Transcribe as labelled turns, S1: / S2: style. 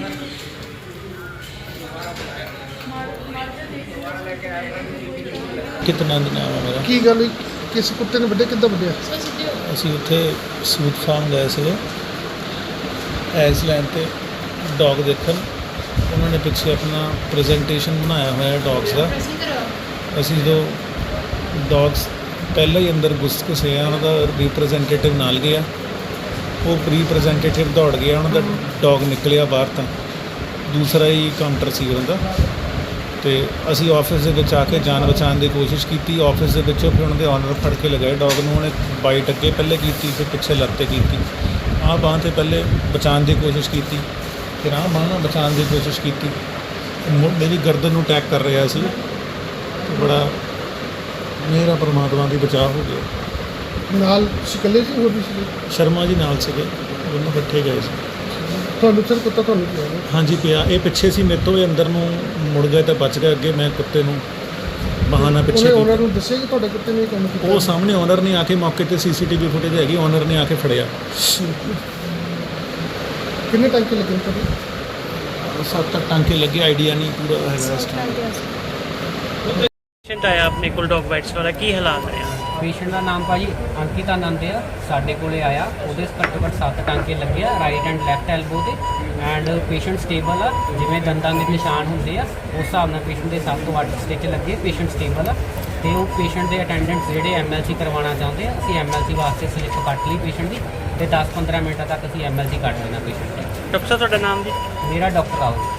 S1: कितना नाम है मेरा
S2: ਕੀ ਗੱਲ ਹੋਈ? ਕਿਸ ਕੁੱਤੇ ਨੇ ਵੱਢਿਆ? ਕਿੱਦਾਂ ਵੱਢਿਆ?
S1: ਅਸੀਂ ਉੱਥੇ ਸੂਟ ਫਾਰਮ ਗਏ ਸੀਗੇ ਆਈਸਲੈਂਡ ਤੇ ਡੌਗ ਦੇਖਣ। ਉਹਨਾਂ ਨੇ ਪਿੱਛੇ ਆਪਣਾ ਪ੍ਰੈਜੈਂਟੇਸ਼ਨ ਬਣਾਇਆ ਹੋਇਆ ਡੌਗਸ ਦਾ। ਅਸੀਂ ਜਦੋਂ ਡੌਗਸ ਪਹਿਲਾਂ ਹੀ ਅੰਦਰ ਘੁਸ ਘੁਸੇ ਆ, ਉਹਨਾਂ ਦਾ ਰਿਪਰੈਜ਼ੈਂਟੇਟਿਵ ਨਾਲ ਗਿਆ, ਉਹ ਰਿਪਰੈਜ਼ੈਂਟੇਟਿਵ ਦੌੜ ਗਿਆ, ਉਹਨਾਂ ਦਾ ਡੌਗ ਨਿਕਲਿਆ ਬਾਹਰ। ਤਾਂ ਦੂਸਰਾ ਹੀ ਕਾਊਂਟਰ ਸੀ ਉਹਨਾਂ ਦਾ। ਤੇ ਅਸੀਂ ਆਫਿਸ ਦੇ ਵਿੱਚ ਆ ਕੇ ਜਾਨ ਬਚਾਉਣ ਦੀ ਕੋਸ਼ਿਸ਼ ਕੀਤੀ। ਆਫਿਸ ਦੇ ਵਿੱਚੋਂ ਫਿਰ ਉਹਨਾਂ ਦੇ ਓਨਰ ਫੜ ਕੇ ਲਗਾਏ ਡੌਗ ਨੂੰ। ਉਹਨੇ ਬਾਈਟ ਅੱਗੇ ਪਹਿਲੇ ਕੀਤੀ, ਫਿਰ ਪਿੱਛੇ ਲੱਤ 'ਤੇ ਕੀਤੀ। ਆਹ ਬਾਂਹ 'ਤੇ ਪਹਿਲੇ ਬਚਾਉਣ ਦੀ ਕੋਸ਼ਿਸ਼ ਕੀਤੀ, ਫਿਰ ਆਹ ਬਾਂਹ ਨਾਲ ਬਚਾਉਣ ਦੀ ਕੋਸ਼ਿਸ਼ ਕੀਤੀ। ਮੇਰੀ ਗਰਦਨ ਨੂੰ ਅਟੈਕ ਕਰ ਰਿਹਾ ਸੀ। ਬੜਾ ਮੇਰਾ ਪਰਮਾਤਮਾ ਦੀ ਬਚਾਅ ਹੋ ਗਿਆ।
S2: ਨਾਲ ਤੁਸੀਂ ਇਕੱਲੇ ਸੀ ਹੋਰ ਵੀ ਸੀ?
S1: ਸ਼ਰਮਾ ਜੀ ਨਾਲ ਸੀਗੇ, ਦੋਨੋਂ ਇਕੱਠੇ ਗਏ ਸੀ।
S2: ਤੁਹਾਨੂੰ ਸਰ ਕੁੱਤਾ ਤੁਹਾਨੂੰ ਪਿਆ ਨਾ?
S1: ਹਾਂਜੀ ਪਿਆ। ਇਹ ਪਿੱਛੇ ਸੀ ਮੇਰੇ ਤੋਂ, ਇਹ ਅੰਦਰ ਨੂੰ ਮੁੜ ਗਏ ਤਾਂ ਬਚ ਗਏ। ਅੱਗੇ ਮੈਂ ਕੁੱਤੇ ਨੂੰ ਬਹਾਨਾ ਪਿੱਛੇ
S2: ਉਹਨੇ
S1: ਕੀਤਾ।
S2: ਉਹਨਾਂ ਨੂੰ ਦੱਸਿਆ ਕਿ ਤੁਹਾਡੇ ਕੁੱਤੇ ਨੇ ਇਹ ਕੰਮ ਕੀਤਾ?
S1: ਉਹ ਸਾਹਮਣੇ ਓਨਰ ਨੇ ਆ ਕੇ ਮੌਕੇ ਤੇ ਸੀਸੀਟੀਵੀ ਫੁਟੇਜ ਹੈਗੀ, ਓਨਰ ਨੇ ਆ ਕੇ ਫੜਿਆ।
S2: ਕਿੰਨੇ ਟਾਂਕੇ ਲੱਗੇ ਨੇ ਤੁਹਾਡੇ?
S1: 7 ਟਾਂਕੇ ਲੱਗੇ, ਆਈਡੀਆ ਨਹੀਂ ਪੂਰਾ ਹੈਗਾ ਇਸ ਟਾਈਮ।
S3: ਪੇਸ਼ੈਂਟ ਆਇਆ ਆਪਣੇ ਕੋਲ ਡੌਗ ਬਾਈਟਸ ਵਾਲਾ, ਕੀ ਹਾਲਾਤ ਹੈ?
S4: ਪੇਸ਼ੈਂਟ ਦਾ ਨਾਮ ਭਾਜੀ ਅੰਕਿਤ ਆਨੰਦ ਆ। ਸਾਡੇ ਕੋਲੇ ਆਇਆ, ਉਹਦੇ ਘੱਟੋ ਘੱਟ 7 ਟਾਂਕੇ ਲੱਗੇ ਆ ਰਾਈਟ ਐਂਡ ਲੈਫਟ ਐਲਬੋ ਤੇ। ਐਂਡ ਪੇਸ਼ੈਂਟ ਸਟੇਬਲ ਆ, ਜਿਵੇਂ ਦੰਦਾਂ ਦੇ ਨਿਸ਼ਾਨ ਹੁੰਦੇ ਆ ਉਸ ਹਿਸਾਬ ਨਾਲ ਪੇਸ਼ੈਂਟ ਦੇ 7 ਤੋਂ 8 ਸਟਿਚ ਲੱਗੇ। ਪੇਸ਼ੈਂਟ ਸਟੇਬਲ ਆ ਤੇ ਉਹ ਪੇਸ਼ੈਂਟ ਦੇ ਅਟੈਂਡੈਂਟਸ ਜਿਹੜੇ ਐਮਐਲਸੀ ਕਰਵਾਉਣਾ ਚਾਹੁੰਦੇ ਆ, ਅਸੀਂ ਐਮਐਲਸੀ ਵਾਸਤੇ ਸਲਿੱਪ ਕੱਟ ਲਈ ਪੇਸ਼ੈਂਟ ਦੀ, ਤੇ 10-15 ਮਿੰਟਾਂ ਤੱਕ ਅਸੀਂ ਐਮਐਲਸੀ ਕੱਟ ਦੇਣਾ ਪੇਸ਼ੈਂਟ ਦੀ।
S3: ਡਾਕਟਰ ਸਾਹਿਬ ਤੁਹਾਡਾ ਨਾਮ ਜੀ?
S4: ਮੇਰਾ ਡਾਕਟਰ ਆਓ।